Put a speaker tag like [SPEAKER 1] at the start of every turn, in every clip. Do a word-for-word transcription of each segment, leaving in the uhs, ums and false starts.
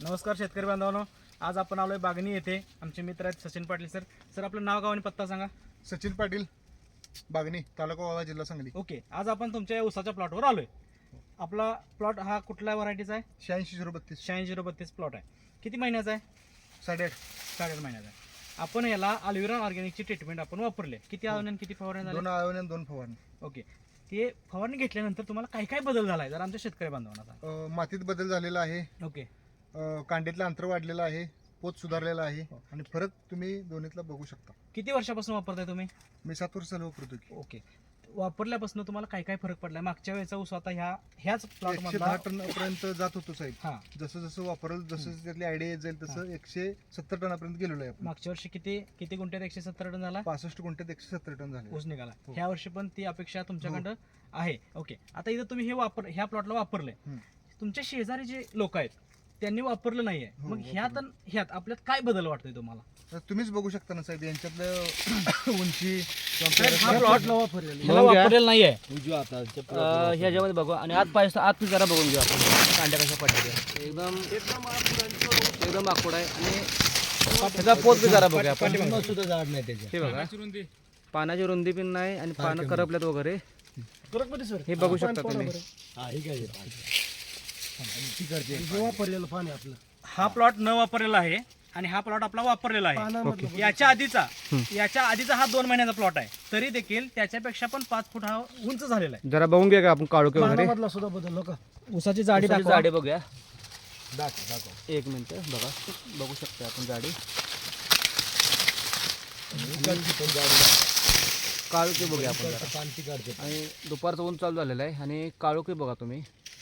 [SPEAKER 1] नमस्कार शेतकरी बांधवांनो, आज आपण आलोय बागणी येथे. आमचे मित्र आहेत सचिन पाटील सर. सर आपलं नाव गाव आणि पत्ता सांगा.
[SPEAKER 2] सचिन पाटील, बागणी, तालुका वाळवा, जिल्हा सांगली.
[SPEAKER 1] ओके, आज आपण तुमच्या उसाच्या प्लॉटवर आलोय. आपला प्लॉट हा कुठल्या व्हरायटीचा आहे?
[SPEAKER 2] शहाऐंशी झिरो बत्तीस.
[SPEAKER 1] शहाऐंशी झिरो बत्तीस प्लॉट आहे. किती महिन्याचा आहे?
[SPEAKER 2] साडेआठ
[SPEAKER 1] साडेआठ महिन्याचा आहे. आपण याला अल्विरॉन ऑर्गॅनिकची ट्रीटमेंट आपण वापरले. किती आळवणी आणि किती फवारणी
[SPEAKER 2] दोन
[SPEAKER 1] झाली?
[SPEAKER 2] आळवणी आणि दोन फवारणी.
[SPEAKER 1] ओके, ते फवारणी घेतल्यानंतर तुम्हाला काय काय बदल झालाय जर आमच्या शेतकरी बांधवांना सांगा.
[SPEAKER 2] अं, मातीत बदल झालेला आहे.
[SPEAKER 1] ओके,
[SPEAKER 2] अं, कांडीतलं अंतर वाढलेलं आहे. पोत सुधारलेला आहे आणि फरक तुम्ही दोन्हीतला बघू शकता.
[SPEAKER 1] किती वर्षापासून वापरताय तुम्ही?
[SPEAKER 2] मी सात वर्ष झालं वापरतो की.
[SPEAKER 1] ओके, वापरल्यापासून तुम्हाला काय काय फरक पडलाय? मागच्या वेळेचा ऊस आता ह्या ह्याच प्लॉट
[SPEAKER 2] एकशे दहा टन पर्यंत जात होतो साहेब.
[SPEAKER 1] हा,
[SPEAKER 2] जसं जसं वापरल जसं जसं त्यातली आयडिया येत जाईल तसं एकशे सत्तर टनापर्यंत गेलेलो आहे आपण.
[SPEAKER 1] मागच्या वर्षी किती किती गुंठ्यात एकशे सत्तर टन झाला
[SPEAKER 2] पासष्ट गुंठ्यात एकशे सत्तर टन झाले.
[SPEAKER 1] ऊस निघाला.
[SPEAKER 2] हो.
[SPEAKER 1] ह्या वर्षी पण ती अपेक्षा तुमच्याकडं आहे. ओके, आता इथं तुम्ही हे वापर ह्या प्लॉटला वापरले.
[SPEAKER 2] हम्म.
[SPEAKER 1] तुमच्या शेजारी जे लोक आहेत त्यांनी वापरलं नाहीये,
[SPEAKER 2] हो,
[SPEAKER 1] मग ह्यात आणि ह्यात आपल्यात काय बदल वाटतोय तुम्हाला?
[SPEAKER 2] तर तुम्हीच बघू शकता ना साहेब यांच्यातलं उंची
[SPEAKER 1] हा प्लॉट ह्याला
[SPEAKER 3] बघून घ्या.
[SPEAKER 1] वापरलेला नाहीये.
[SPEAKER 3] अं, ह्याच्यामध्ये बघू आणि आत पाहिजे आत जरा बघून घेऊ आपण कांड्या कशा पडतात. एकदम एकदम आखूड आहे आणि त्याचा पोत बी जरा बघूया आपण. हे बघा, पानाची रुंदी पण नाही आणि पानं करपल्यात वगैरे हे बघू शकता तुम्ही.
[SPEAKER 1] हा प्लॉट न वापरलेला आहे आणि हा प्लॉट आपला वापरलेला आहे. याच्या आधीचा याच्या आधीचा हा दोन महिन्याचा प्लॉट आहे, तरी देखील त्याच्यापेक्षा पण पाच फुट हा उंच झालेला आहे.
[SPEAKER 3] जरा बघून घ्या का आपण काळोखे वगैरे
[SPEAKER 1] उसाची जाडी
[SPEAKER 3] उसाची
[SPEAKER 1] दाखवा.
[SPEAKER 3] जाडी बघूया. एक मिनिट बघा, बघू शकता आपण जाडी. काळोखी बघूया आपण जरा. आणि दुपारचं ऊन चालू झालेलं आहे आणि काळोखी बघा तुम्ही.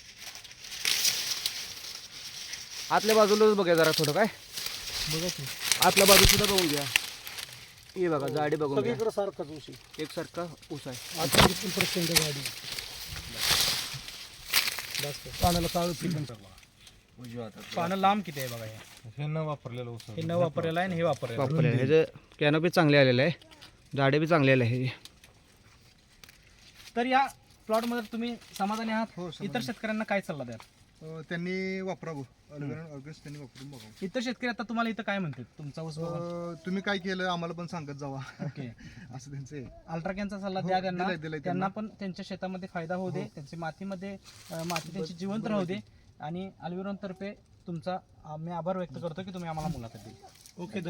[SPEAKER 3] आतल्या बाजूलाच बघा जरा थोडं काय आतल्या बाजू सुद्धा बघून घ्या. हे बघा जाडी बघून घ्या. एकसारखा ऊस आहे.
[SPEAKER 1] पानं लांब किती आहे बघा. हे
[SPEAKER 2] हे न वापरलेलं ऊस.
[SPEAKER 1] हे न वापरलेलं आहे आणि हे वापरलेलं आहे.
[SPEAKER 3] वापरलेलं ह्याचं कॅनोपी चांगले आलेलं आहे, जाडे बी चांगले आले आहे.
[SPEAKER 1] तर या प्लॉट मध्ये तुम्ही समाधानी आहात?
[SPEAKER 2] हो, समाधानी.
[SPEAKER 1] इतर शेतकऱ्यांना काय सल्ला द्याल?
[SPEAKER 2] अं, त्यांनी वापरावं अल्विरॉन ऑर्गॅनिक त्यांनी वापरून बघावं.
[SPEAKER 1] इतर शेतकरी आता तुम्हाला इथं काय म्हणतात तुमचा ऊस बघून?
[SPEAKER 2] अं, तुम्ही काय केलं आम्हाला पण सांगत जावा
[SPEAKER 1] ओके,
[SPEAKER 2] असं त्यांचं आहे.
[SPEAKER 1] अल्ट्राकॅनचा सल्ला
[SPEAKER 2] हो,
[SPEAKER 1] द्या त्यांना.
[SPEAKER 2] दिलाय- दिलाय
[SPEAKER 1] त्यांना
[SPEAKER 2] त्यांना.
[SPEAKER 1] पण त्यांच्या शेतामध्ये फायदा होऊ दे, त्यांची मातीमध्ये अं, माती त्यांची जिवंत राहू दे. आणि अल्विरॉन तर्फे तुमचा आम्ही आभार व्यक्त करतो की तुम्ही आम्हाला मुलाखत दिली. ओके.